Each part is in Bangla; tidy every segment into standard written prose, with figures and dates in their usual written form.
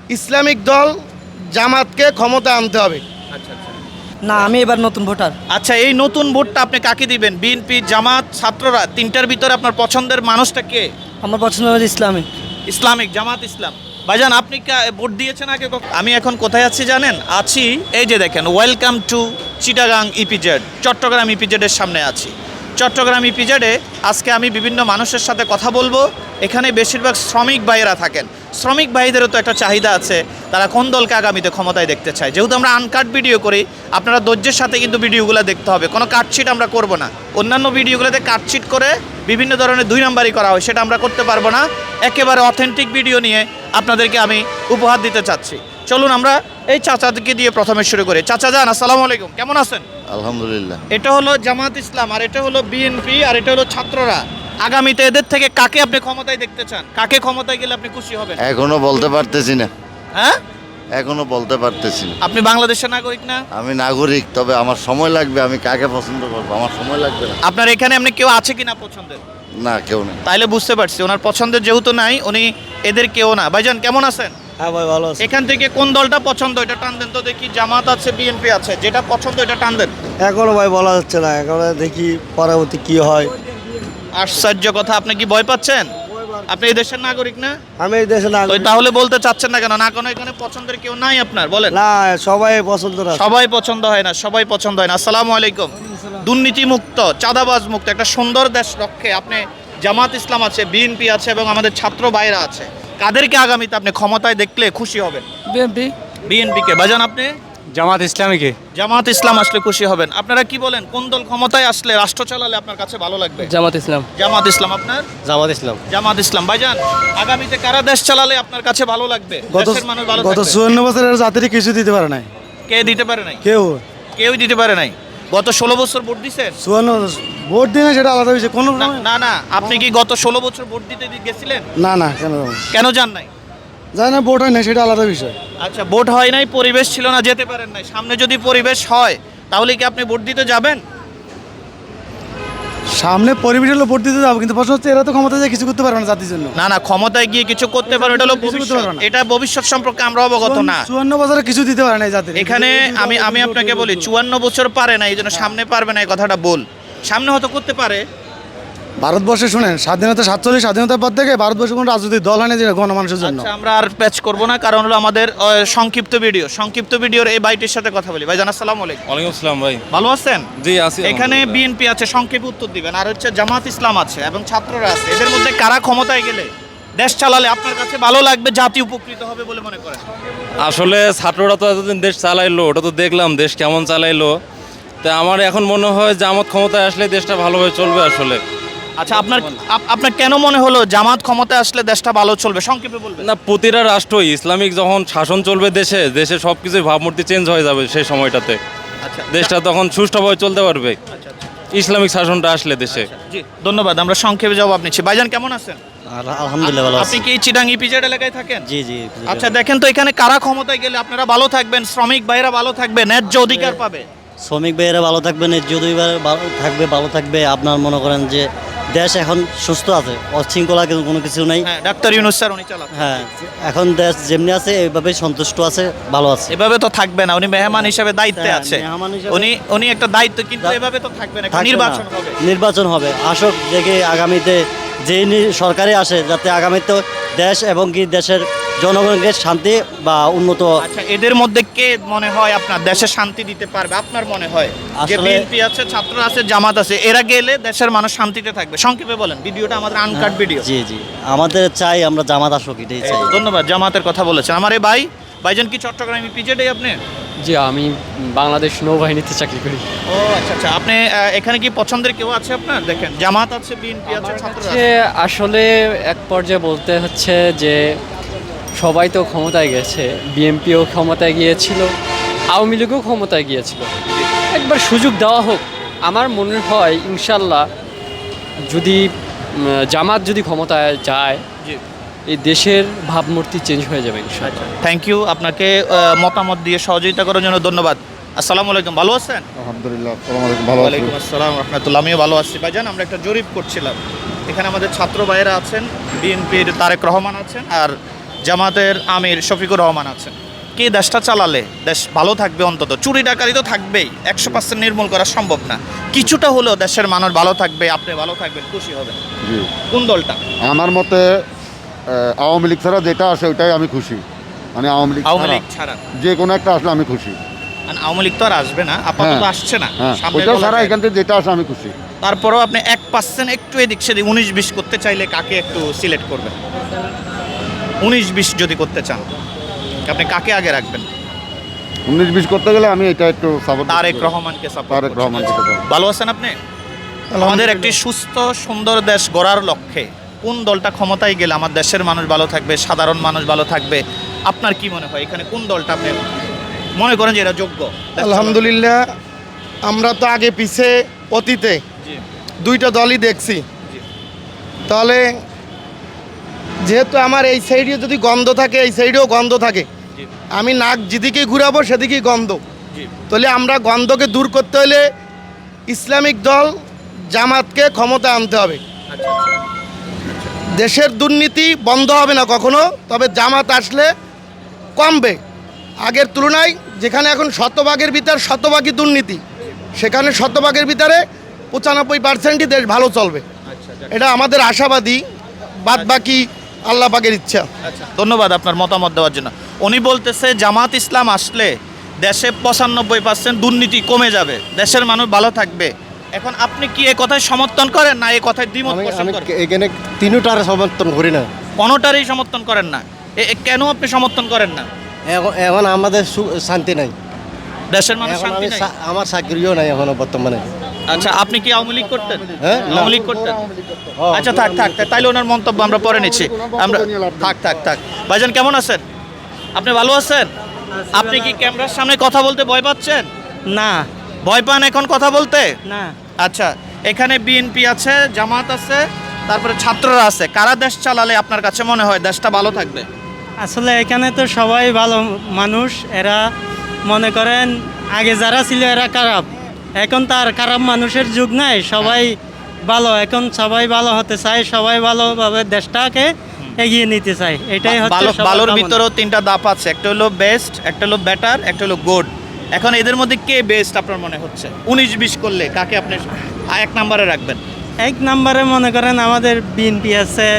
ইসলামিক দল জামাতকে ক্ষমতা আনতে হবে। আচ্ছা আচ্ছা না, আমি এবার নতুন ভোটার। আচ্ছা, এই নতুন ভোটটা আপনি কাকে দিবেন? বিএনপি, জামাত, ছাত্ররা, তিনটার ভিতরে আপনার পছন্দের মানুষটা কে? আমার পছন্দ হচ্ছে ইসলামিক। ইসলামিক, জামাত ইসলাম। ভাইজান, আপনি ভোট দিয়েছেন আগে কখনো? আমি এখন কোথায় আছি জানেন? আছি এই যে দেখেন, welcome to Chittagong EPZ, Chattogram ইপিজেডের সামনে আছি। চট্টগ্রাম ইপিজেডে আজকে আমি বিভিন্ন মানুষের সাথে কথা বলবো। এখানে বেশিরভাগ শ্রমিক ভাইয়েরা থাকেন। শ্রমিক ভাইদেরও তো একটা চাহিদা আছে, তারা কোন দলকে আগামীতে ক্ষমতায় দেখতে চায়। যেহেতু আমরা আনকাট ভিডিও করি, আপনারা ধৈর্যের সাথে কিন্তু ভিডিওগুলো দেখতে হবে। কোনো কাটছিট আমরা করব না। অন্যান্য ভিডিওগুলোতে কাটছিট করে বিভিন্ন ধরনের দুই নাম্বারই করা হয়, সেটা আমরা করতে পারবো না। একেবারে অথেন্টিক ভিডিও নিয়ে আপনাদেরকে আমি উপহার দিতে চাচ্ছি। চলুন আমরা এই চাচাকে দিয়ে প্রথমে শুরু করি। চাচা যান, আসসালামু আলাইকুম, কেমন আছেন? আলহামদুলিল্লাহ। এটা হলো জামাত ইসলাম, আর এটা হলো বিএনপি, আর এটা হলো ছাত্ররা। আগামীতে এদের থেকে কাকে আপনি ক্ষমতায় দেখতে চান? কাকে ক্ষমতায় গেলে আপনি খুশি হবেন? এখনো বলতে পারতেছি না, হ্যাঁ, এখনো বলতে পারতেছি না। আপনি বাংলাদেশের নাগরিক না? আমি নাগরিক, তবে আমার সময় লাগবে। আমি কাকে পছন্দ করবো, আমার সময় লাগবে না। আপনার এখানে এমনি কেউ আছে কিনা পছন্দের? না, কেউ নেই। তাইলে বুঝতে পারছি ওনার পছন্দের যেহেতু নাই, উনি এদের কেউ না। ভাইজান কেমন আছেন? হ্যাঁ ভাই, ভালো আছে। এখান থেকে কোন দলটা পছন্দ এটা টান দেন তো দেখি। জামাত আছে, বিএনপি আছে, যেটা পছন্দ এটা টান দেন। এখনো ভাই বলা যাচ্ছে না, এখন দেখি পরবর্তী কি হয়। আশ্চর্য কথা, আপনি কি ভয় পাচ্ছেন? আপনি এই দেশের নাগরিক না? আমি এই দেশে তো তাহলে বলতে চাচ্ছেন না কেন? না কোনো এখানে পছন্দের কেউ নাই আপনার? বলেন। না, সবাই পছন্দ না। সবাই পছন্দ হয় না, সবাই পছন্দ হয় না। আসসালামু আলাইকুম। দুর্নীতি মুক্ত, চাঁদাবাজ মুক্ত একটা সুন্দর দেশ রক্ষে আপনি জামাত ইসলাম আছে, বিএনপি আছে এবং আমাদের ছাত্র ভাইরা আছে, কাদেরকে আগামীতে আপনি ক্ষমতায় দেখলে খুশি হবেন? বিএনপি। বিএনপিকে। ভাইজান আপনি? জামাত ইসলামীকে। জামাত ইসলাম আসলে খুশি হবেন। আপনারা কি বলেন, কোন দল ক্ষমতায় আসলে, রাষ্ট্র চালালে আপনার কাছে ভালো লাগবে? জামাত ইসলাম। জামাত ইসলাম। আপনার? জামাত ইসলাম। জামাত ইসলাম। ভাইজান, আগামীতে কারা দেশ চালালে আপনার কাছে ভালো লাগবে? দেশের মানুষ ভালো গত থাকবে? 54 বছরের জাতির কিছু দিতে পারে নাই কে দিতে পারে নাই? কেউ। কেউই দিতে পারে নাই। গত 16 বছর ভোট দিছেন? 54 ভোট দিনে সেটা আলাদা বিষয়। কোনো না না, আপনি কি গত 16 বছর ভোট দিতে গেছিলেন? না না, কেন কেন যান নাই? জানি না, ভোট হয় না, সেটা আলাদা বিষয়। আচ্ছা, ভোট হয় নাই, পরিবেশ ছিল না, যেতে পারেন নাই। সামনে যদি পরিবেশ হয় তাহলে কি আপনি ভোট দিতে যাবেন? সামনে পরিবেশ হলো ভোট দিতে যাবো, কিন্তু প্রশ্ন হচ্ছে এরা তো ক্ষমতা যায় কিছু করতে পারবে না জাতির জন্য। না না, ক্ষমতায় গিয়ে কিছু করতে পারবে, এটা হলো কিছু করতে ভবিষ্যৎ। পারবে না। এটা ভবিষ্যৎ সম্পর্কে আমরা অবগত না। 54 বছরে কিছু দিতে পারে না এই জাতির। এখানে আমি আপনাকে বলি, 54 বছর পারে না, এই জন্য সামনে পারবে না, এই কথাটা বল। সামনে হয়তো করতে পারে। ভারতবর্ষে শুনেন, স্বাধীনতা 47 স্বাধীনতার পর থেকে ভারতবর্ষে কোনো রাজনৈতিক দল হয় না যে গণমানুষের জন্য। আচ্ছা, আমরা আর প্যাচ করব না, কারণ হলো আমাদের সংক্ষিপ্ত ভিডিওর এই বাইটির সাথে কথা বলি। ভাইজান আসসালামু আলাইকুম। ওয়ালাইকুম আসসালাম ভাই। ভালো আছেন? জি আছি। এখানে বিএনপি আছে, সংক্ষেপে উত্তর দিবেন, আর হচ্ছে জামাত ইসলাম আছে এবং ছাত্ররা আছে। এদের মধ্যে কারা ক্ষমতায় গেলে, দেশ চালালে আপনার কাছে ভালো লাগবে, জাতি উপকৃত হবে বলে মনে করেন? আসলে ছাত্ররা তো এতদিন দেশ চালাইলো, ওটা তো দেখলাম দেশ কেমন চালাইলো। তা আমার এখন মনে হয় জামাত ক্ষমতায় আসলে দেশটা ভালোভাবে চলবে আসলে। আচ্ছা, আপনার কেন মনে হলো জামাত ক্ষমতায় আসলে দেশটা ভালো চলবে? সংক্ষেপে বলবেন। না, প্রতিটা রাষ্ট্রই ইসলামিক যখন শাসন চলবে দেশে, দেশে সব কিছুই ভাবমূর্তি চেঞ্জ হয়ে যাবে সেই সময়টাতে। আচ্ছা, দেশটা তখন সুষ্ঠুভাবে চলতে পারবে আচ্ছা, ইসলামিক শাসনটা আসলে দেশে। জি ধন্যবাদ, আমরা সংক্ষেপে জবাব নিচ্ছি। ভাইজান কেমন আছেন? আলহামদুলিল্লাহ ভালো আপনি কি চিটাং ইপিজেড এলাকায় থাকেন? জি জি। আচ্ছা, দেখেন তো এখানে কারা ক্ষমতায় গেলে আপনারা ভালো থাকবেন, শ্রমিক ভাইরা ভালো থাকবে, ন্যায্য অধিকার পাবে? শ্রমিক ভাইয়েরা ভালো থাকবেন, যদি ভালো থাকবে। আপনার মনে করেন যে দেশ এখন সুস্থ আছে, অশৃঙ্খলা কিন্তু কোনো কিছু নাই। হ্যাঁ, ডাক্তার ইউনূস স্যার উনি চালান। হ্যাঁ, এখন দেশ যেমনি আছে এইভাবে সন্তুষ্ট আছে, ভালো আছে। এভাবে তো থাকবে না, উনি মেহমান হিসেবে দায়িত্বে হ্যাঁ, আছে। মেহমান হিসেবে- উনি একটা দায়িত্ব, কিন্তু এভাবে তো থাকবে না, একটা থাকবে না। নির্বাচন হবে। নির্বাচন হবে, আসক দেখে আগামীতে যে সরকারে আসে, যাতে আগামীতে দেশ এবং কি দেশের জনগণকে শান্তি বা উন্নত। আচ্ছা, এদের মধ্যে কে মনে হয় আপনার দেশে শান্তি দিতে পারবে? আপনার মনে হয় যে আসলে- বিএনপি আছে, ছাত্র আছে, জামাত আছে, এরা গেলে দেশের মানুষ শান্তিতে থাকবে? সংক্ষেপে বলেন, ভিডিওটা আমাদের আনকাট ভিডিও। জি জি, আমাদের চাই আমরা জামাত আসুক, এটাই চাই। ধন্যবাদ, জামাতের কথা বলেছেন। আমার এই ভাইজান কি চট্টগ্রাম পিজেডে আপনি? জি, আমি বাংলাদেশ নৌবাহিনীতে চাকরি করি। ও আচ্ছা আচ্ছা, আপনি এখানে কি পছন্দের কেউ আছে আপনার? দেখেন, জামাত আছে, বিএনপি আছে, ছাত্র আছে। আসলে এক পর্যায়ে বলতে হচ্ছে যে সবাই তো ক্ষমতায় গেছে, বিএনপিও ক্ষমতায় গিয়েছিল, আওয়ামী লীগও ক্ষমতায় গিয়েছিল। একবার সুযোগ দেওয়া হোক। আমার মনে হয় ইনশাল্লাহ যদি জামাত যদি ক্ষমতায় যায়, জি, এই দেশের ভাবমূর্তি চেঞ্জ হয়ে যাবে ইনশাল্লাহ। থ্যাংক ইউ, আপনাকে মতামত দিয়ে সহযোগিতা করার জন্য ধন্যবাদ। আসসালামু আলাইকুম, ভালো আছেন? আলহামদুলিল্লাহ, আসসালামু আলাইকুম, ভালো আছি। ওয়ালাইকুম আসসালাম রহমতুল্লাহ, আমিও ভালো আছি। ভাইজান, আমরা একটা জরিপ করছিলাম, এখানে আমাদের ছাত্র ভাইয়েরা আছেন, বিএনপির তারেক রহমান আছেন, আর জামাতের আমির শফিকুর রহমান আছেন। কি দেশটা চালালে দেশ ভালো থাকবে? অন্তত চুরি ডাকাতি তো থাকবেই, 100% নির্মূল করা সম্ভব না, কিছুটা হলেও দেশের মানুষ ভালো থাকবে, আপনি ভালো থাকবেন, খুশি হবেন। জি কোন দলটা? আমার মতে আওয়ামী লীগ ছাড়া যেটা আসে ওইটাই আমি খুশি, মানে আওয়ামী লীগ আওয়ামী ছাড়া লীগ ছাড়া? যে কোনো একটা আসলে আমি খুশি। আর আওয়ামী লীগ তো আর আসবে না, আপাতত হ্যাঁ, আসছে না, হ্যাঁ সামনে ওইটা বলা ছাড়া যায়। এখান থেকে যেটা আসে আমি খুশি। তারপরেও আপনি 1% একটু এদিক সেদিক 19-20 করতে চাইলে কাকে একটু সিলেক্ট করবেন? 19-20 যদি করতে চান আপনি কাকে আগে রাখবেন? 19-20 করতে গেলে আমি এটা একটু সাপোর্ট তারেক রহমানকে সাপোর্ট। তারেক রহমানকে support। ভালো আছেন আপনি? আমাদের একটি সুস্থ সুন্দর দেশ গড়ার লক্ষ্যে কোন দলটা ক্ষমতায় গেলে আমার দেশের মানুষ ভালো থাকবে, সাধারণ মানুষ ভালো থাকবে? আপনার কি মনে হয় এখানে কোন দলটা আপনি মনে করেন যে এরা যোগ্য? আলহামদুলিল্লাহ, আমরা তো আগে পিছে অতীতে জি। দুইটা দলই দেখছি। জি। তাহলে যেহেতু আমার এই সাইডে যদি গন্ধ থাকে, এই সাইডেও গন্ধ থাকে, জি। আমি নাক যেদিকেই ঘুরাবো সেদিকেই গন্ধ। জি। তাহলে আমরা গন্ধকে দূর করতে হলে ইসলামিক দল জামাতকে ক্ষমতা আনতে হবে। আচ্ছা। দেশের দুর্নীতি বন্ধ হবে না কখনো, তবে জামাত আসলে কমবে। আগের তুলনায় যেখানে এখন শতভাগের ভিতর শতভাগই দুর্নীতি, সেখানে শতভাগের ভিতরে 95%ই দেশ ভালো চলবে। আচ্ছা। এটা আমাদের আশাবাদী, বাদ বাকি আল্লাহ পাকের ইচ্ছা। আচ্ছা, ধন্যবাদ আপনার মতামত দেওয়ার জন্য। উনি বলতেছে জামাত ইসলাম আসলে দেশে 95% দুর্নীতি কমে যাবে, দেশের মানুষ ভালো থাকবে। এখন আপনি কি এই কথায় সমর্থন করেন না এই কথায় দ্বিমত পোষণ করেন? এখানে তিনটার সমর্থন করি না। কোনোটারই সমর্থন করেন না? কেন আপনি সমর্থন করেন না? এখন আমাদের শান্তি নাই, দেশের মানুষ শান্তি নাই? আমার চাকরিও নাই এখনো বর্তমানে। আচ্ছা, আপনি কি আওয়ামী লীগ করতেন? হ্যাঁ? আওয়ামী লীগ করতেন? আচ্ছা, থাক তাইলে ওনার মন্তব্য আমরা পরে নিচ্ছি। আমরা থাক। ভাইজান কেমন আছেন? আপনি ভালো আছেন? আপনি কি ক্যামেরার সামনে কথা বলতে ভয় পাচ্ছেন? না ভয় পান এখন কথা বলতে? না, আচ্ছা, এখানে বিএনপি আছে, জামাত আছে, তারপরে ছাত্ররা আছে। কারা দেশ চালালে আপনার কাছে মনে হয় দেশটা ভালো থাকবে? আসলে এখানে তো সবাই ভালো মানুষ, এরা মনে করেন আগে যারা ছিল এরা খারাপ, এখন তার খারাপ মানুষের যুগ নাই, সবাই ভালো, এখন সবাই ভালো হতে চায়, সবাই ভালোভাবে দেশটাকে এগিয়ে নিতে চায়, এটাই হচ্ছে সবার ভালোর কামনা। ভিতরেও তিনটা ধাপ আছে, একটা হলো বেস্ট, একটা হলো বেটার, একটা হলো গুড। এখন এদের মধ্যে কে বেস্ট আপনার মনে হচ্ছে? 19-20 করলে কাকে আপনি এক নম্বরে রাখবেন? এক নম্বরে মনে করেন আমাদের বিএনপি আছে,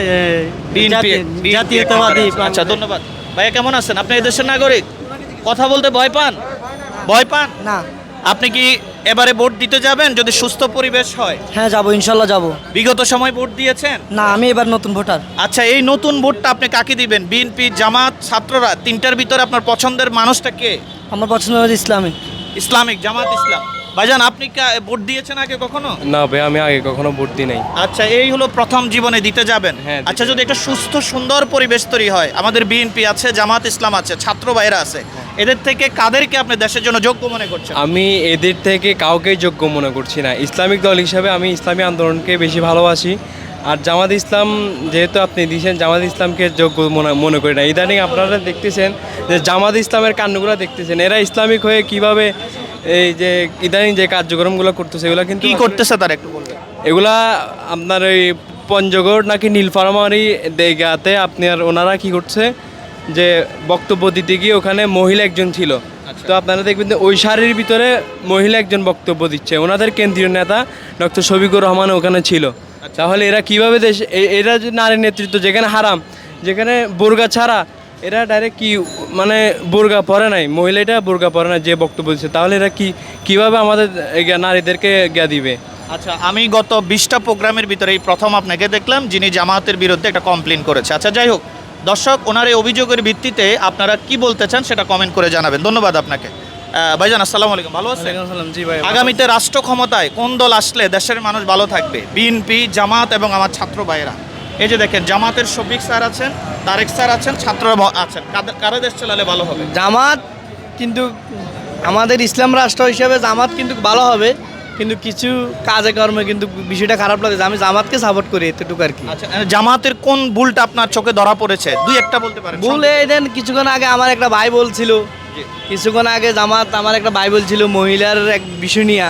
জাতীয়তাবাদী। আচ্ছা, ধন্যবাদ। ভাইয়া কেমন আছেন? আপনি এই দেশের নাগরিক, কথা বলতে ভয় পান? ভয় পান না। আপনি কি এবারে ভোট দিতে যাবেন যদি সুস্থ পরিবেশ হয়? হ্যাঁ যাবো, ইনশাল্লাহ যাবো। বিগত সময় ভোট দিয়েছেন? না, আমি এবার নতুন ভোটার। আচ্ছা, এই নতুন ভোটটা আপনি কাকে দিবেন? বিএনপি, জামাত, ছাত্ররা, তিনটার ভিতরে আপনার পছন্দের মানুষটা কে? আমার পছন্দ হচ্ছে ইসলামিক। ইসলামিক, জামাত ইসলাম। ভাইজান আপনি কি ভোট দিয়েছেন আগে কখনো? না ভাই, আমি আগে কখনো ভোট দিই নাই। আচ্ছা, এই হলো প্রথম জীবনে দিতে যাবেন। হ্যাঁ, আচ্ছা, যদি একটা সুস্থ সুন্দর পরিবেশ তৈরি হয়, আমাদের বিএনপি আছে, জামাত ইসলাম আছে, ছাত্র ভাইরা আছে, এদের থেকে কাদেরকে আপনি দেশের জন্য যোগ্য মনে করছেন? আমি এদের থেকে কাউকেই যোগ্য মনে করছি না। ইসলামিক দল হিসাবে আমি ইসলামী আন্দোলনকে বেশি ভালোবাসি। আর জামাত ইসলাম যেহেতু আপনি দিয়েছেন, জামাত ইসলামকে যোগ্য মনে করি না। ইদানিং আপনারা দেখতেছেন যে জামাত ইসলামের কাণ্ডগুলো দেখতেছেন, এরা ইসলামিক হয়ে কিভাবে এই যে ইদানিং যে কার্যক্রমগুলো করতেছে এগুলো কিন্তু কি করতেছে তার একটু বলবেন? এগুলা আপনার ওই পঞ্চগড় নাকি নীলফামারী দেগাতে আপনার ওনারা কি করছে যে বক্তব্য দিতে গিয়ে ওখানে মহিলা একজন ছিল। তো আপনারা দেখবেন যে ওই সারির ভিতরে মহিলা একজন বক্তব্য দিচ্ছে, ওনাদের কেন্দ্রীয় নেতা ডক্টর শফিকুর রহমান ওখানে ছিল। তাহলে এরা কিভাবে দেশ এরা যে নারী নেতৃত্ব যেখানে হারাম, যেখানে বোরকা ছাড়া, এরা ডাইরেক্ট কি মানে বোরকা পরে নাই, মহিলাটা বোরকা পরে না যে বক্তব্য দিচ্ছে, তাহলে এরা কিভাবে আমাদের নারীদেরকে জ্ঞা দিবে? আচ্ছা, আমি গত 20টা প্রোগ্রামের ভিতরে এই প্রথম আপনাকে দেখলাম যিনি জামাতের বিরুদ্ধে একটা কমপ্লেন করেছে। আচ্ছা, যাই হোক, দর্শক ওনার এই অভিযোগের ভিত্তিতে আপনারা কি বলতে চান সেটা কমেন্ট করে জানাবেন। ধন্যবাদ আপনাকে। ভাইজান আসসালামু আলাইকুম, ভালো আছেন? জি ভাই। আগামীতে রাষ্ট্র ক্ষমতায় কোন দল আসলে দেশের মানুষ ভালো থাকবে? বিএনপি, জামাত এবং আমার ছাত্র ভাইয়েরা। এই যে দেখেন, জামাতের শফিক স্যার আছেন, তারেক স্যার আছেন, ছাত্ররা আছেন। কারা দেশ চালালে ভালো হবে? জামাত কিন্তু আমাদের ইসলাম রাষ্ট্র হিসেবে জামাত কিন্তু ভালো হবে, কিন্তু কিছু কাজে কর্মে কিন্তু বিষয়টা খারাপ লাগে। আমি জামাতকে সাপোর্ট করি, এতটুকু আর কি। আচ্ছা, জামাতের কোন ভুলটা আপনার চোখে ধরা পড়েছে? দুই একটা বলতে পারেন। ভুল এই দেন, কিছুক্ষণ আগে আমার একটা ভাই বলছিল, কিছুক্ষণ আগে জামাত আমার একটা ভাই বলছিল মহিলার এক বিষয় নিয়ে,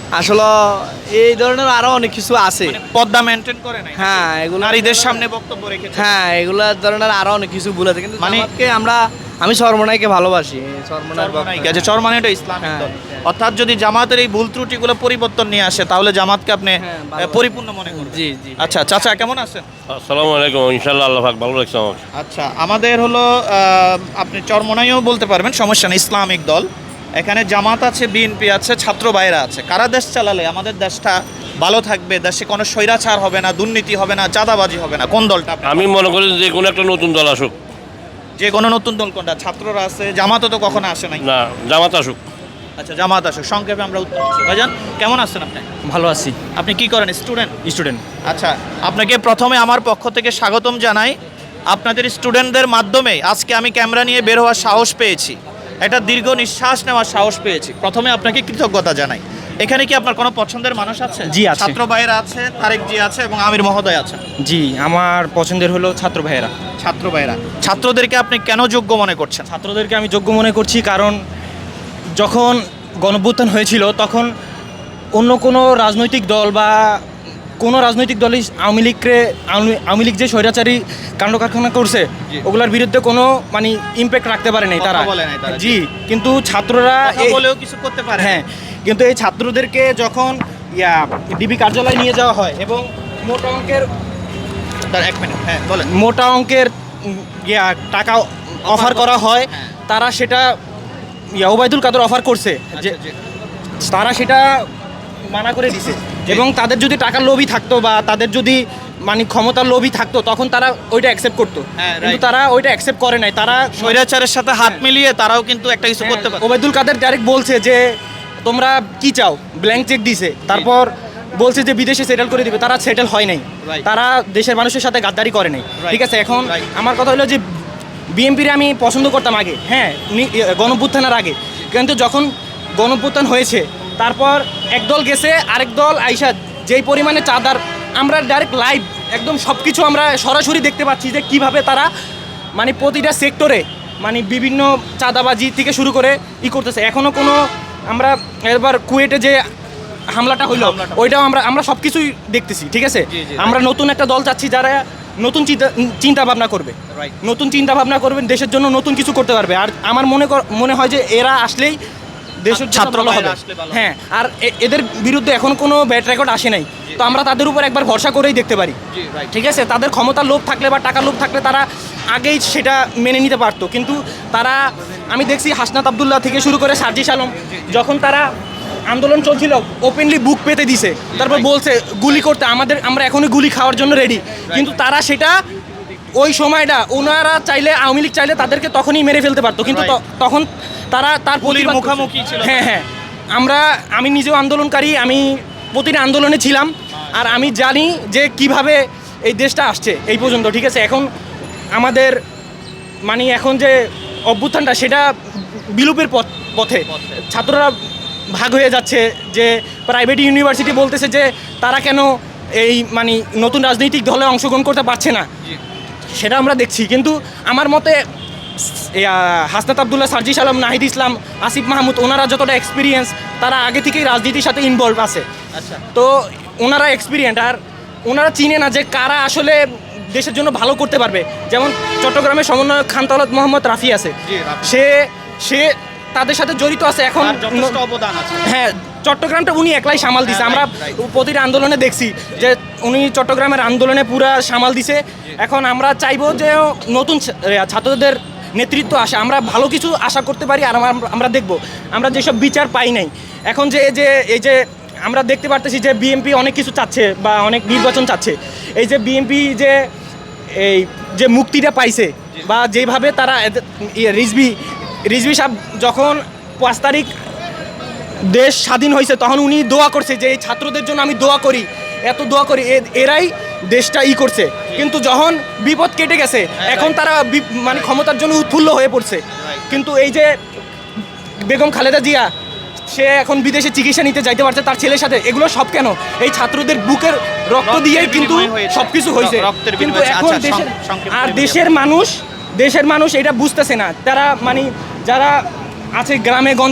আসলে এই ধরনের আরো অনেক কিছু আছে। পর্দা মেনটেন করে নাই, হ্যাঁ, এগুলো নারীদের সামনে বক্তব্য রেখেছে। হ্যাঁ, এগুলা ধরনের আরো অনেক কিছু ভুল আছে, কিন্তু মানে- আমি চরমনাইকে ভালোবাসি। গেছে চরমানিটা ইসলামিক দল। অর্থাৎ যদি জামাতের এই ভুল ত্রুটিগুলো পরিবর্তন নিয়ে আসে তাহলে জামাতকে আপনি পরিপূর্ণ মনে করবেন। জি জি। আচ্ছা চাচা কেমন আছেন? আসসালামু আলাইকুম, ইনশাআল্লাহ আল্লাহ পাক ভালো রাখছে আমাকে। আচ্ছা আমাদের হলো আপনি চরমনাইও বলতে পারবেন, সমস্যা নেই, ইসলামিক দল। এখানে জামাত আছে, বিএনপি আছে, ছাত্র ভাইরা আছে। কারা দেশ চালালে আমাদের দেশটা ভালো থাকবে, দেশে কোনো স্বৈরাচার হবে না, দুর্নীতি হবে না, চাঁদাবাজি হবে না? কোন দলটা আপনি- আমি মনে করি যে কোনো একটা নতুন দল আসুক। যে কোনো নতুন দল কোনটা? ছাত্ররা আছে, জামাতও তো কখনো আসে নাই। না, জামাত আসুক। আচ্ছা জামাত আসুক, সংক্ষেপে আমরা উত্তর দিচ্ছি। ভাইজান কেমন আছেন আপনি? ভালো আছি। আপনি কি করেন? স্টুডেন্ট? স্টুডেন্ট। আচ্ছা আপনাকে প্রথমে আমার পক্ষ থেকে স্বাগতম জানাই। আপনাদের স্টুডেন্টদের মাধ্যমে আজকে আমি ক্যামেরা নিয়ে বের হওয়ার সাহস পেয়েছি, একটা দীর্ঘ নিঃশ্বাস নেওয়ার সাহস পেয়েছি। প্রথমে আপনাকে কৃতজ্ঞতা জানাই। এখানে কি আপনার কোনো পছন্দের মানুষ আছে? জি, আছে। ছাত্র ভাইয়েরা আছে, তারেক জি আছে এবং আমির মহোদয় আছে। জি, আমার পছন্দের হলো ছাত্র ভাইয়েরা। ছাত্র ভাইয়েরা, ছাত্রদেরকে আপনি কেন যোগ্য মনে করছেন? ছাত্রদেরকে আমি যোগ্য মনে করছি কারণ যখন গণঅভ্যুত্থান হয়েছিল তখন অন্য কোনো রাজনৈতিক দল বা কোনো রাজনৈতিক দলই আওয়ামী লীগ যে স্বৈরাচারী কাণ্ড কারখানা করছে ওগুলোর বিরুদ্ধে কোনো মানে ইম্প্যাক্ট রাখতে পারে নাই তারা। কথা বলে নাই তারা। জি, কিন্তু ছাত্ররা কথা বলেও কিছু করতে পারে না। হ্যাঁ, কিন্তু এই ছাত্রদেরকে যখন ডিবি কার্যালয়ে নিয়ে যাওয়া হয় এবং মোটা অঙ্কের তার এক মিনিট, হ্যাঁ বলেন। মোটা অঙ্কের টাকা অফার করা হয়, তারা সেটা ওবায়দুল কাদের অফার করছে যে তারা সেটা মানা করে দিছে। এবং তাদের যদি টাকার লোভী থাকতো বা তাদের যদি মানে ক্ষমতার লোভী থাকতো তখন তারা ওইটা অ্যাকসেপ্ট করতো, কিন্তু তারা ওইটা অ্যাকসেপ্ট করে নাই। তারা স্বৈরাচারের সাথে হাত মিলিয়ে তারাও কিন্তু একটা কিছু করতে পারে। ওবায়দুল কাদের ডাইরেক্ট বলছে যে তোমরা কি চাও, ব্ল্যাঙ্ক চেক দিছে, তারপর বলছে যে বিদেশে সেটেল করে দিবে। তারা সেটেল হয় নাই, তারা দেশের মানুষের সাথে গাদ্দারি করে নাই। ঠিক আছে, এখন আমার কথা হলো যে বিএনপির আমি পছন্দ করতাম আগে, হ্যাঁ, গণঅভ্যুত্থানের আগে, কিন্তু যখন গণঅভ্যুত্থান হয়েছে তারপর একদল গেছে, আরেক দল আইসা যেই পরিমাণে চাঁদার, আমরা ডাইরেক্ট লাইভ একদম সব কিছু আমরা সরাসরি দেখতে পাচ্ছি যে কিভাবে তারা মানে প্রতিটা সেক্টরে মানে বিভিন্ন চাঁদাবাজি থেকে শুরু করে করতেছে। এখনও কোনো আমরা এবার কুয়েটে যে হামলাটা হইলো ওইটাও আমরা সব কিছুই দেখতেছি। ঠিক আছে, আমরা নতুন একটা দল চাচ্ছি যারা নতুন চিন্তা ভাবনা করবে, নতুন চিন্তা ভাবনা করবেন, দেশের জন্য নতুন কিছু করতে পারবে। আর আমার মনে হয় যে এরা আসলেই দেশের ছাত্র হবে। হ্যাঁ, আর এদের বিরুদ্ধে এখন কোনো ব্যাড রেকর্ড আসে নাই, তো আমরা তাদের উপর একবার ভরসা করেই দেখতে পারি। ঠিক আছে, তাদের ক্ষমতার লোভ থাকলে বা টাকার লোভ থাকলে তারা আগেই সেটা মেনে নিতে পারতো, কিন্তু তারা আমি দেখছি হাসনাত আবদুল্লাহ থেকে শুরু করে সার্জিস আলম যখন তারা আন্দোলন চলছিল ওপেনলি বুক পেতে দিছে, তারপর বলছে গুলি করতে, আমরা এখনই গুলি খাওয়ার জন্য রেডি, কিন্তু তারা সেটা ওই সময়টা ওনারা চাইলে আওয়ামী লীগ চাইলে তাদেরকে তখনই মেরে ফেলতে পারতো, কিন্তু তখন তারা তার পুলিশের মুখোমুখি ছিল। হ্যাঁ, আমি নিজেও আন্দোলনকারী, আমি প্রতিটা আন্দোলনে ছিলাম, আর আমি জানি যে কিভাবে এই দেশটা আসছে এই পর্যন্ত। ঠিক আছে, এখন আমাদের মানে এখন যে অভ্যুত্থানটা সেটা বিলুপের পথে, ছাত্ররা ভাগ হয়ে যাচ্ছে, যে প্রাইভেট ইউনিভার্সিটি বলতেছে যে তারা কেন এই মানে নতুন রাজনৈতিক দলে অংশগ্রহণ করতে পারছে না, সেটা আমরা দেখছি। কিন্তু আমার মতে হাসনাত আবদুল্লাহ, সার্জিস আলম, নাহিদ ইসলাম, আসিফ মাহমুদ, ওনারা যতটা এক্সপিরিয়েন্স, তারা আগে থেকেই রাজনীতির সাথে ইনভলভ আছে। আচ্ছা, তো ওনারা এক্সপিরিয়েন্স, আর ওনারা চিনে না যে কারা আসলে দেশের জন্য ভালো করতে পারবে। যেমন চট্টগ্রামের সমন্বয়ক খান তাওলাদ মোহাম্মদ রাফি আছে, সে তাদের সাথে জড়িত আছে, এখন অবদান আছে। হ্যাঁ, চট্টগ্রামটা উনি একলাই সামাল দিছে। আমরা প্রতিটা আন্দোলনে দেখছি যে উনি চট্টগ্রামের আন্দোলনে পুরা সামাল দিছে। এখন আমরা চাইবো যে নতুন ছাত্রদের নেতৃত্ব আসে, আমরা ভালো কিছু আশা করতে পারি। আর আমরা দেখব আমরা যেসব বিচার পাই নাই, এখন এই যে আমরা দেখতে পারতেছি যে বিএনপি অনেক কিছু চাচ্ছে বা অনেক নির্বাচন চাচ্ছে, এই যে বিএনপি যে মুক্তিটা পাইছে বা যেভাবে তারা রিজভি সাহেব যখন 5 তারিখ দেশ স্বাধীন হয়েছে তখন উনি দোয়া করছে যে এই ছাত্রদের জন্য আমি দোয়া করি, এত দোয়া করি, এরাই দেশটা করছে। কিন্তু যখন বিপদ কেটে গেছে এখন তারা মানে ক্ষমতার জন্য উৎফুল্ল হয়ে পড়ছে। কিন্তু এই যে বেগম খালেদা জিয়া, সে এখন বিদেশে চিকিৎসা নিতে যাইতে পারছে তার ছেলের সাথে, এগুলো সব কেন এই ছাত্রদের বুকের রক্ত দিয়েই কিন্তু সব কিছু হয়েছে। কিন্তু এখন দেশের মানুষ এটা বুঝতেছে না। তারা মানে যারা আছে গ্রামে গঞ্জে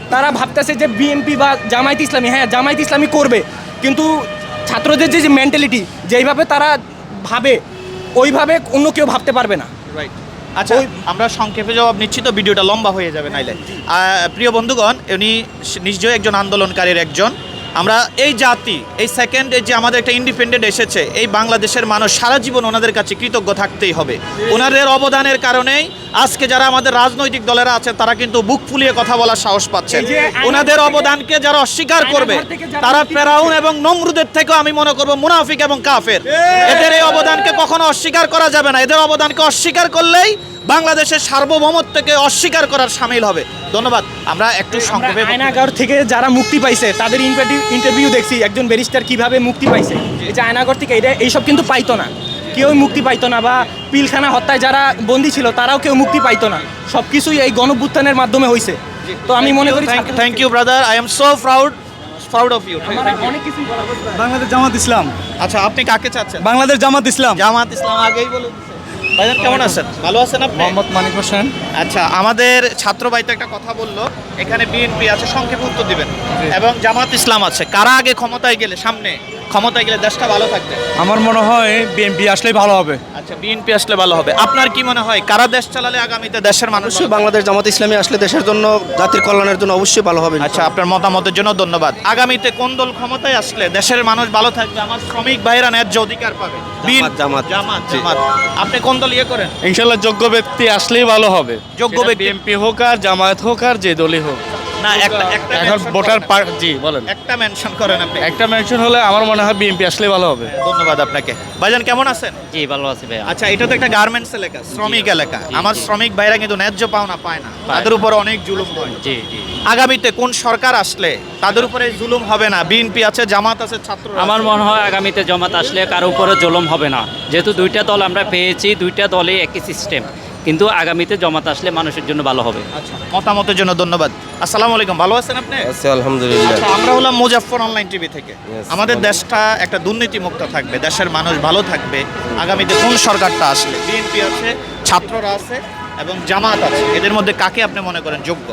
তারা ভাবতেছে যে বিএনপি বা জামায়াত ইসলামী, হ্যাঁ জামায়াত ইসলামী করবে, কিন্তু ছাত্রদের যে মেন্টালিটি যেইভাবে তারা ভাবে ওইভাবে অন্য কেউ ভাবতে পারবে না। রাইট। আচ্ছা, আমরা সংক্ষেপে জবাব নিচ্ছি তো ভিডিওটা লম্বা হয়ে যাবে নাইলে। প্রিয় বন্ধুগণ, উনি নিশ্চয়ই একজন আন্দোলনকারীর একজন। আমরা এই জাতি, এই সেকেন্ডে যে আমাদের একটা ইন্ডিপেন্ডেন্ট এসেছে, এই বাংলাদেশের মানুষ সারা জীবন ওনাদের কাছে কৃতজ্ঞ থাকতেই হবে। ওনাদের অবদানের কারণেই আজকে যারা আমাদের রাজনৈতিক দলেরা আছে তারা কিন্তু বুক ফুলিয়ে কথা বলার সাহস পাচ্ছে। ওনাদের অবদানকে যারা অস্বীকার করবে তারা ফেরাউন এবং নমরুদের থেকেও আমি মনে করব মুনাফিক এবং কাফের। এদের এই অবদানকে কখনো অস্বীকার করা যাবে না। এদের অবদানকে অস্বীকার করলেই বাংলাদেশের সার্বভৌমত্বকে অস্বীকার করার শামিল হবে। ধন্যবাদ। আমরা একটু সংক্ষেপে আয়নাগর থেকে যারা মুক্তি পাইছে তাদের ইন্টারভিউ দেখছি, একজন ব্যারিস্টার কিভাবে মুক্তি পাইছে। এই যে আয়নাগর থেকে এইসব কিন্তু পাইতো না, কেউ মুক্তি পাইতো না, বা পিলখানা হত্যায় যারা বন্দী ছিল তারাও কেউ মুক্তি পাইতো না। সব কিছুই এই গণভ্যুত্থানের মাধ্যমে হয়েছে। তো আমি মনে করি thank you brother, I am so proud of you. অনেক কিছু বাংলাদেশ জামাত ইসলাম। আচ্ছা, আপনি কাকে চাচ্ছেন? বাংলাদেশ জামাত ইসলাম। জামাত ইসলাম আগেই বলে দিয়েছে। ভাইজান কেমন আছেন? ভালো আছেন আপনি? মোহাম্মদ মানিক হোসেন। আচ্ছা, আমাদের ছাত্র ভাই তো একটা কথা বললো, এখানে বিএনপি আছে, সংক্ষেপে উত্তর দিবেন, এবং জামাত ইসলাম আছে। কারা আগে ক্ষমতায় গেলে, সামনে ক্ষমতায় গেলে দেশটা ভালো থাকবে? আমার মনে হয় বিএনপি আসলেই ভালো হবে। আচ্ছা, বিএনপি আসলে ভালো হবে। আপনার কি মনে হয় কারা দেশ চালালে আগামীতে দেশের মানুষ? বাংলাদেশ জামাত ইসলামী আসলে দেশের জন্য, জাতির কল্যাণের জন্য অবশ্যই ভালো হবে। আচ্ছা, আপনার মতামতের জন্য ধন্যবাদ। আগামীতে কোন দল ক্ষমতায় আসলে দেশের মানুষ ভালো থাকবে, আমার শ্রমিক ভাইয়েরা ন্যায্য অধিকার পাবে? জামাত। জামাত। আপনি কোন দল ইয়ে করেন? ইনশাল্লাহ যোগ্য ব্যক্তি আসলেই ভালো হবে। যোগ্য ব্যক্তি, বিএনপি হোক আর জামায়াত হোক আর যে দলই হোক। না, একটা এখন ভোটার জি বলেন, একটা মেনশন করেন আপনি। একটা মেনশন হলে আমার মনে হয় বিএনপি আসলেই ভালো হবে। ধন্যবাদ আপনাকে। ভাইজান কেমন আছেন? জি ভালো আছি ভাই। আচ্ছা, এটা তো একটা গার্মেন্টস এলাকা, শ্রমিক এলাকা। আমার শ্রমিক ভাইরা কিন্তু ন্যায্য পাওনা পায় না, তাদের উপর অনেক জুলুম হয়। জি জি। আগামীতে কোন সরকার আসলে তাদের উপরে জুলুম হবে না? বিএনপি আছে, জামাত আছে, ছাত্র। আমার মনে হয় আগামীতে জামাত আসলে কারো উপরে জুলুম হবে না, যেহেতু দুইটা দল আমরা পেয়েছি, দুইটা দলই একই সিস্টেম, কিন্তু আগামীতে জামাত আসলে মানুষের জন্য ভালো হবে। আচ্ছা, মতামতের জন্য ধন্যবাদ। আসসালামু আলাইকুম, ভালো আছেন আপনি? আচ্ছা, আলহামদুলিল্লাহ। আচ্ছা, আমরা হলাম মুজাফফর অনলাইন টিভি থেকে। আমাদের দেশটা একটা দুর্নীতি মুক্ত থাকবে, দেশের মানুষ ভালো থাকবে। আগামীতে কোন সরকারটা আসলে, বিএনপি আছে, ছাত্ররা আছে এবং জামাত আছে, এদের মধ্যে কাকে আপনি মনে করেন যোগ্য?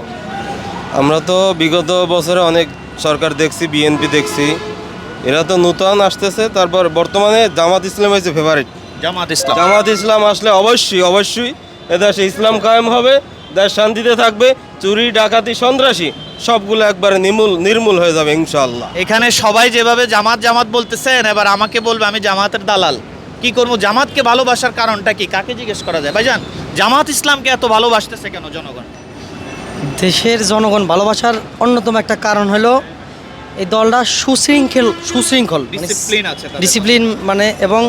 আমরা তো বিগত বছরে অনেক সরকার দেখছি, বিএনপি দেখছি, এরা তো নূতন আসতেছে। তারপর বর্তমানে জামাত ইসলাম হয়েছে ফেভারিট। জামাত ইসলাম। জামাত ইসলাম আসলে অবশ্যই এদেশে ইসলাম কায়েম হবে, দেশ শান্তিতে থাকবে, চুরি ডাকাতি সন্ত্রাসী সবগুলো একবারে নির্মূল হয়ে যাবে ইনশাআল্লাহ। এখানে সবাই যেভাবে জামাত জামাত বলতেছেন, এবার আমাকে বলবে আমি জামাতের দালাল। কি করবো? জামাতকে ভালোবাসার কারণটা কি, কাকে জিজ্ঞেস করা যায়? ভাইজান, জামাত ইসলামকে এত ভালোবাসতেছে কেন জনগণ? দেশের জনগণ ভালোবাসার অন্যতম একটা কারণ হলো এই দলটা সুশৃঙ্খল ডিসিপ্লিন আছে তাদের। ডিসিপ্লিন মানে, এবং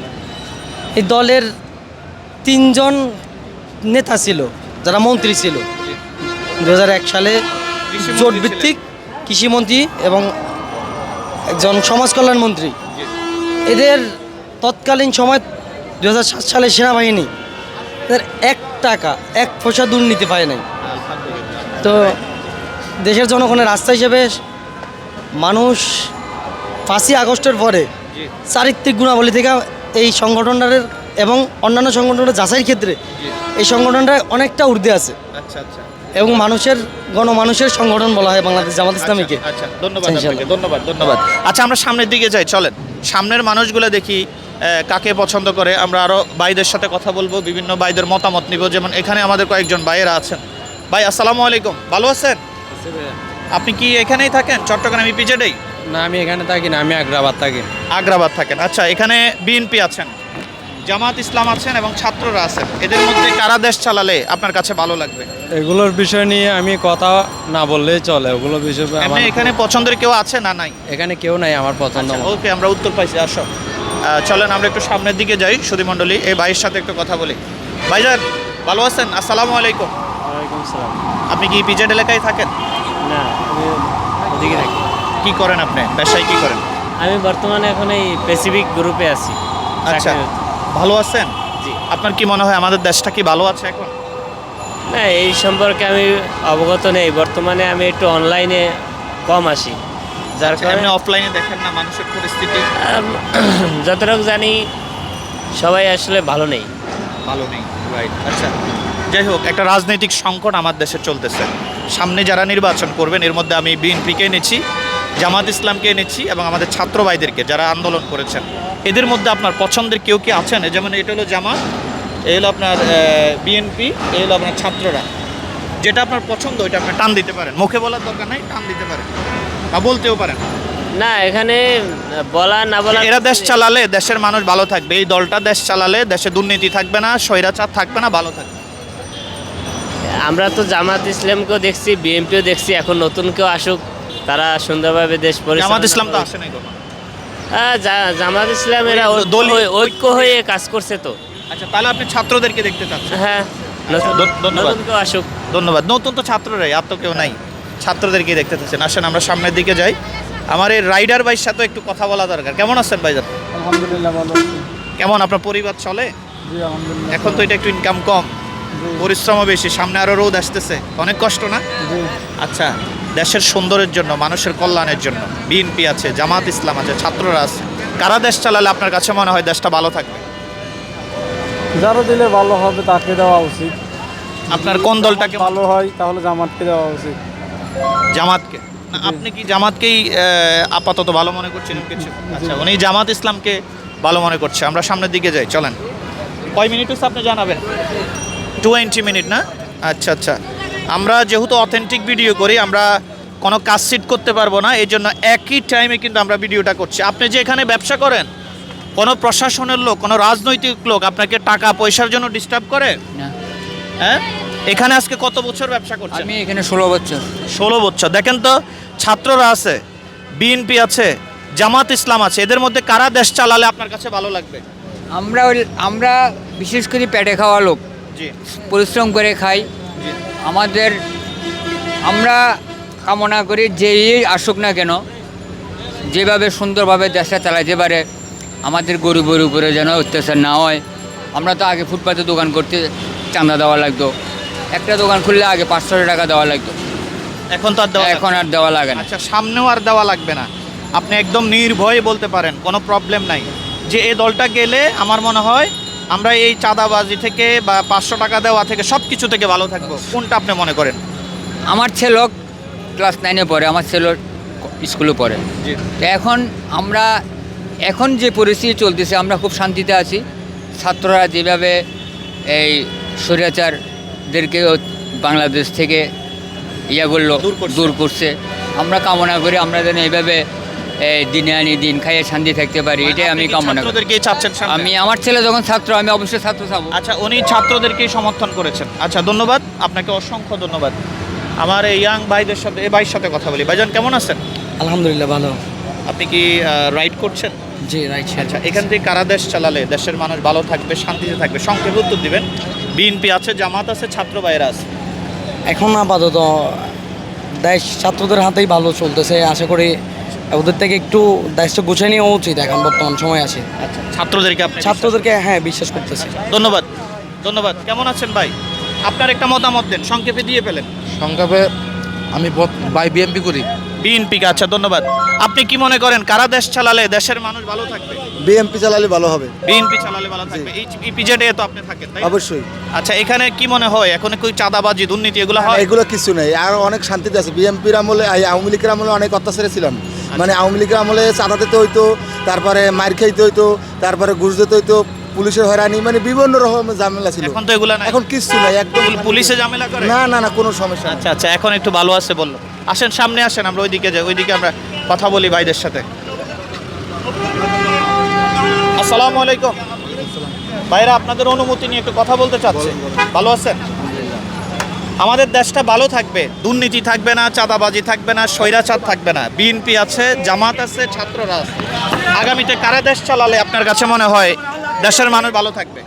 এই দলের 3জন নেতা ছিল যারা মন্ত্রী ছিল 2001 সালে, জোটভিত্তিক কৃষিমন্ত্রী এবং একজন সমাজ কল্যাণ মন্ত্রী। এদের তৎকালীন সময় 2007 সালে সেনাবাহিনী এদের 1 টাকা 1 পয়সা দুর্নীতি পায় নাই। তো দেশের জনগণের রাস্তা হিসেবে মানুষ 5ই আগস্টের পরে চারিত্রিক গুণাবলী থেকে এই সংগঠনটার এবং অন্যান্য সংগঠনের যাচাইয়ের ক্ষেত্রে এই সংগঠনটা অনেকটা ঊর্ধ্বে আছে। আচ্ছা আচ্ছা। এবং গণমানুষের সংগঠন বলা হয় বাংলাদেশ জামাত ইসলামীকে। আচ্ছা, ধন্যবাদ আপনাকে, ধন্যবাদ। আচ্ছা, আমরা সামনের দিকে যাই, চলেন। সামনের মানুষগুলো দেখি কাকে পছন্দ করে। আমরা আরো ভাইদের সাথে কথা বলবো, বিভিন্ন ভাইদের মতামত নিব। যেমন এখানে আমাদের কয়েকজন ভাইয়েরা আছেন। ভাই আসসালামু আলাইকুম, ভালো আছেন? আপনি কি এখানেই থাকেন, চট্টগ্রাম ইপিজেডেই? না, আমি এখানে থাকি না, আমি আগ্রাবাদ থাকি। আগ্রাবাদ থাকেন। আচ্ছা, এখানে বিএনপি আছেন, জামাত ইসলাম আছেন এবং ছাত্ররা আছেন। এদের মধ্যে কারা দেশ চালালে আপনার কাছে ভালো লাগবে? এগুলোর বিষয় নিয়ে আমি কথা না বললেই চলে। ওগুলো বিষয় আপনি এখানে পছন্দের কেউ আছে না নাই? এখানে কেউ নাই আমার পছন্দ। ওকে, আমরা উত্তর পাইছি। আসো, চলেন আমরা একটু সামনের দিকে যাই। সুধীমণ্ডলী, এই ভাইয়ের সাথে একটু কথা বলি। ভাইজান ভালো আছেন? আসসালামু আলাইকুম। ওয়ালাইকুম আসসালাম। আপনি কি পিজেড এলাকায় থাকেন? না, আমি ওদিকে থাকি। কি করেন আপনি, পেশায় কি করেন? আমি বর্তমানে এখন এই প্যাসিফিক গ্রুপে আছি। আচ্ছা, ভালো আছেন? জি। আপনার কি মনে হয় আমাদের দেশটা কি ভালো আছে এখন? না, এই সম্পর্কে আমি অবগত নেই। বর্তমানে আমি একটু অনলাইনে কম আসি, যার কারণে অফলাইনে দেখেন না মানুষের পরিস্থিতি। যতটুকু জানি সবাই আসলে ভালো নেই। ভালো নেই, রাইট। আচ্ছা, যাই হোক, একটা রাজনৈতিক সংকট আমার দেশে চলতেছে। সামনে যারা নির্বাচন করবেন, এর মধ্যে আমি বিএনপিকে এনেছি, জামাত ইসলামকে এনেছি এবং আমাদের ছাত্র ভাইদেরকে যারা আন্দোলন করেছেন, এদের মধ্যে আপনার পছন্দের কেউ কি আছেন? যেমন এটা হলো জামাত, এই হলো আপনার বিএনপি, এই হলো আপনার ছাত্ররা। যেটা আপনার পছন্দ ওইটা আপনি টান দিতে পারেন, মুখে বলার দরকার নাই, টান দিতে পারেন বা বলতেও পারেন। না, এখানে বলা না বলা, এরা দেশ চালালে দেশের মানুষ ভালো থাকবে, এই দলটা দেশ চালালে দেশে দুর্নীতি থাকবে না, স্বৈরাচার থাকবে না, ভালো থাকবে। আমরা তো জামাত ইসলামকেও দেখছি, বিএনপিও দেখছি, এখন নতুন কেউ আসুক, তারা সুন্দরভাবে দেশ পরিচালনা। জামাত ইসলাম তো আসে নাই কোনো। হ্যাঁ, জামাত ইসলাম এরা ঐক্য হয়ে কাজ করছে তো। আচ্ছা, তাহলে আপনি ছাত্রদেরকে দেখতে চাচ্ছেন? হ্যাঁ, ধন্যবাদ। নতুন কেউ আসুক। ধন্যবাদ। নতুন তো ছাত্ররাই, আর তো কেউ নাই, ছাত্রদেরকে দেখতে চাচ্ছেন। আসেন আমরা সামনের দিকে যাই। আমার এই রাইডার ভাইয়ের সাথে একটু কথা বলা দরকার। কেমন আছেন ভাইজান? আলহামদুলিল্লাহ ভালো। কেমন আপনার পরিবার চলে? জি আলহামদুলিল্লাহ। এখন তো এটা একটু ইনকাম কম, পরিশ্রমও বেশি, সামনে আরো রোদ আসতেছে, অনেক কষ্ট না? আচ্ছা, দেশের সুন্দরের জন্য, মানুষের কল্যাণের জন্য বিএনপি আছে, জামাত ইসলাম আছে, ছাত্ররা আছে, কারা দেশ চালালে আপনার কাছে মনে হয় দেশটা ভালো থাকবে? যারা দিলে ভালো হবে তাকে দেওয়া উচিত। আপনার কোন দলটাকে ভালো হয় তাহলে জামাতকে দেওয়া উচিত। জামাতকে? না, আপনি কি জামাতকেই আপাতত ভালো মনে করছেন কিছু? আচ্ছা, উনি জামাত ইসলামকে ভালো মনে করছে। আমরা সামনের দিকে যাই, চলেন। কয় মিনিট হচ্ছে আপনি জানাবেন? 20 মিনিট না? আচ্ছা আচ্ছা, আমরা যেহেতু অথেন্টিক ভিডিও করি, আমরা কোনো কাজ সিট করতে পারবো না, এই জন্য একই টাইমে কিন্তু আমরা ভিডিওটা করছি। আপনি যে এখানে ব্যবসা করেন, কোনো প্রশাসনের লোক, কোনো রাজনৈতিক লোক আপনাকে টাকা পয়সার জন্য ডিস্টার্ব করে? হ্যাঁ, এখানে আজকে কত বছর ব্যবসা করছেন? আমি এখানে 16 বছর। 16 বছর। দেখেন তো, ছাত্ররা আছে, বিএনপি আছে, জামাত ইসলাম আছে, এদের মধ্যে কারা দেশ চালালে আপনার কাছে ভালো লাগবে? আমরা বিশেষ করে পেটে খাওয়া লোক, জি, পরিশ্রম করে খাই। আমরা কামনা করি যেই আসুক না কেন, যেভাবে সুন্দরভাবে দেশটা চালাইতে পারে, আমাদের গরিবের উপরে যেন অত্যাচার না হয়। আমরা তো আগে ফুটপাতে দোকান করতে চাঁদা দেওয়া লাগতো, একটা দোকান খুললে আগে 500 টাকা দেওয়া লাগতো, এখন তো এখন আর দেওয়া লাগে না। আচ্ছা, সামনেও আর দেওয়া লাগবে না, আপনি একদম নির্ভয়ে বলতে পারেন, কোনো প্রবলেম নাই যে এই দলটা গেলে আমার মনে হয় আমরা এই চাঁদাবাজি থেকে বা 500 টাকা দেওয়া থেকে সব কিছু থেকে ভালো থাকবো। কোনটা আপনি মনে করেন? আমার ছেলে ক্লাস 9-এ পড়ে, আমার ছেলে স্কুলে পড়ে। এখন যে পরিস্থিতি চলতেছে, আমরা খুব শান্তিতে আছি। ছাত্ররা যেভাবে এই স্বৈরাচারদেরকে বাংলাদেশ থেকে দূর করছে, আমরা কামনা করি আমরা যেন এইভাবে দিনে আনি দিন খাইয়ে শান্তি থাকতে পারি, এটাই আমি কামনা করি। আমি আমার ছেলে যখন ছাত্র, আমি অবশ্যই ছাত্র চাবো। আচ্ছা, উনি ছাত্রদেরকেই সমর্থন করেছেন। আচ্ছা, ধন্যবাদ আপনাকে, অসংখ্য ধন্যবাদ। আমার এই ইয়াং ভাইদের সাথে, এই ভাইয়ের সাথে কথা বলি। ভাইজান কেমন আছেন? আলহামদুলিল্লাহ ভালো। আপনি কি রাইড করছেন? জি, রাইট। আচ্ছা, এখান থেকে কারা দেশ চালালে দেশের মানুষ ভালো থাকবে, শান্তিতে থাকবে? সংক্ষেপে উত্তর দিবেন। বিএনপি আছে, জামাত আছে, ছাত্র ভাইয়েরা আছে। এখন আপাতত দেশ ছাত্রদের হাতেই ভালো চলতেছে, আশা করি ওদের থেকে একটু দেশটা গুছিয়ে নেওয়া উচিত এখন বর্তমান সময় আছে। আচ্ছা, ছাত্রদেরকে হ্যাঁ বিশ্বাস করতেছে। ধন্যবাদ। ধন্যবাদ। কেমন আছেন ভাই? আপনার একটা মতামত দেন, সংক্ষেপে দিয়ে পেলেন। সংক্ষেপে আমি ভাই বিএনপি করি। বিএনপিকে। আচ্ছা, ধন্যবাদ। আপনি কি মনে করেন কারা দেশ চালালে দেশের মানুষ ভালো থাকবে? বিএনপি চালালে ভালো হবে। বিএনপি চালালে ভালো থাকবে। এই ইপিজেডে তো আপনি থাকেন, তাই? অবশ্যই। আচ্ছা, এখানে কি মনে হয় এখন কি চাঁদাবাজি, দুর্নীতি এগুলো হয়? এগুলো কিছু নেই, আর অনেক শান্তিতে আছে। বিএনপির আমলে, আওয়ামী লীগের আমলে অনেক অত্যাচারে ছিলাম। মানে আওয়ামী লীগের আমলে চাঁদা দিতে হইতো, তারপরে মার খাইতে হইতো, তারপরে ঘুষ দিতে হইতো, পুলিশের হয়রানি, মানে বিভিন্ন রকমের ঝামেলা ছিল। এখন তো এগুলো নাই, এখন কিছু নাই, একদম। পুলিশে ঝামেলা করে? না না না, কোনো সমস্যা। আচ্ছা আচ্ছা, এখন একটু ভালো আছে বললো। আসেন সামনে আসেন, আমরা ওইদিকে যাই, ওইদিকে আমরা কথা বলি ভাইদের সাথে। আসসালামু আলাইকুম ভাইরা, আপনাদের অনুমতি নিয়ে একটু কথা বলতে চাচ্ছি। ভালো আছেন? আমাদের দেশটা ভালো থাকবে, দুর্নীতি থাকবে না, চাঁদাবাজি থাকবে না, স্বৈরাচার থাকবে না। বিএনপি আছে, জামাত আছে, ছাত্ররা আছে। আগামীতে কারা দেশ চালালে আপনার কাছে মনে হয় দেশের মানুষ ভালো থাকবে?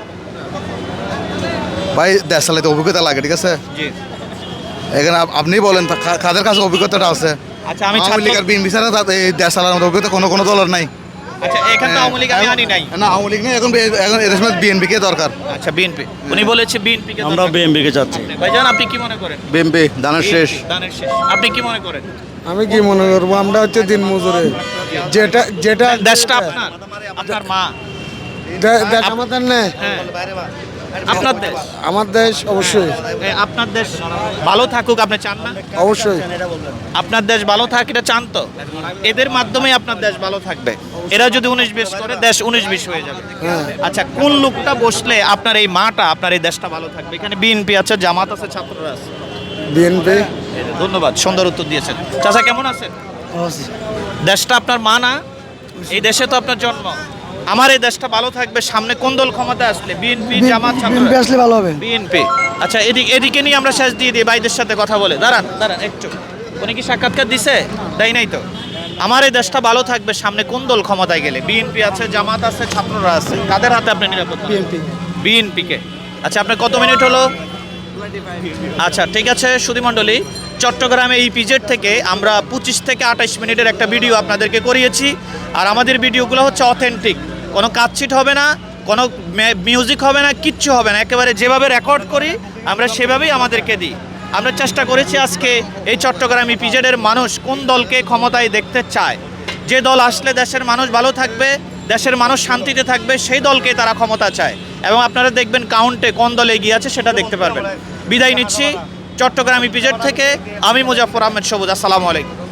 ভাই দেশ চালাতে অভিজ্ঞতা লাগে, ঠিক আছে? জি। এখানে আপনি বলেন কাদের কাছে অভিজ্ঞতাটা আছে? আচ্ছা, আমি আওয়ামী লীগ আর বিএনপি ছাড়া এই দেশ চালানোর মতো অভিজ্ঞতা কোনো দলের নাই। আচ্ছা, এখানে তো আওয়ামী লীগ আমি আনি নাই। না, আওয়ামী লীগ নেই এখন, এদের সময় বিএনপি কে দরকার। আচ্ছা, বিএনপি। উনি বলেছে বিএনপি কে। আমরা বিএনপি কে চাচ্ছি। ভাইজান আপনি কি মনে করেন? বিএনপি দানের শেষ। দানের শেষ। আপনি কি মনে করেন? আমি কি মনে করবো, আমরা হচ্ছে দিন মজুরে, যেটা দেশটা আপনার, আপনার মা দেশ আমাদের নেই। আপনার দেশ আমার দেশ অবশ্যই আপনার দেশ ভালো থাকুক আপনি চান না? অবশ্যই আপনার দেশ ভালো থাক এটা চান তো? এদের মাধ্যমেই আপনার দেশ ভালো থাকবে। এরা যদি 19-20 করে দেশ 19-20 হয়ে যাবে। আচ্ছা, কোন লোকটা বসলে আপনার এই মাটা আপনার এই দেশটা ভালো থাকবে? এখানে বিএনপি আছে, জামাত আছে, ছাত্ররা আছে। বিএনপি। ধন্যবাদ, সুন্দর উত্তর দিয়েছেন। চাচা কেমন আছেন? দেশটা আপনার মা না? এই দেশে তো আপনার জন্ম। আমার এই দেশটা ভালো থাকবে সামনে কোন দল ক্ষমতা আসলে? বিএনপি, জামাত, ছাত্ররা? আসলে ভালো হবে। বিএনপি। আচ্ছা, এদিকে নিয়ে আমরা শেষ দিয়ে দিই ভাইদের সাথে কথা বলে। দাঁড়ান একটু। উনি কি সাক্ষাৎকার দিছে? দেয় নাই তো। আমার এই দেশটা ভালো থাকবে সামনে কোন দল ক্ষমতায় গেলে? বিএনপি আছে, জামাত আছে, ছাত্ররা আছে। কাদের হাতে আপনি নিরাপদ? বিএনপিকে। আচ্ছা, আপনার কত মিনিট হলো? আচ্ছা, ঠিক আছে সুধীমণ্ডলী, চট্টগ্রামে ইপিজেড থেকে আমরা 25 থেকে 28 মিনিটের একটা ভিডিও আপনাদেরকে করিয়েছি। আর আমাদের ভিডিওগুলো হচ্ছে অথেন্টিক, কোনো কাটছিট হবে না, কোনো মিউজিক হবে না, কিচ্ছু হবে না। একেবারে যেভাবে রেকর্ড করি আমরা সেভাবেই আমাদেরকে দিই। আমরা চেষ্টা করেছি আজকে এই চট্টগ্রাম ইপিজেডের মানুষ কোন দলকে ক্ষমতায় দেখতে চায়। যে দল আসলে দেশের মানুষ ভালো থাকবে, দেশের মানুষ শান্তিতে থাকবে, সেই দলকে তারা ক্ষমতা চায়। এবং আপনারা দেখবেন কাউন্টে কোন দল এগিয়ে আছে সেটা দেখতে পারবেন। বিদায় নিচ্ছি চট্টগ্রাম ইপিজেড থেকে। আমি মুজাফফর আহমেদ সবুজ। আসসালামু আলাইকুম।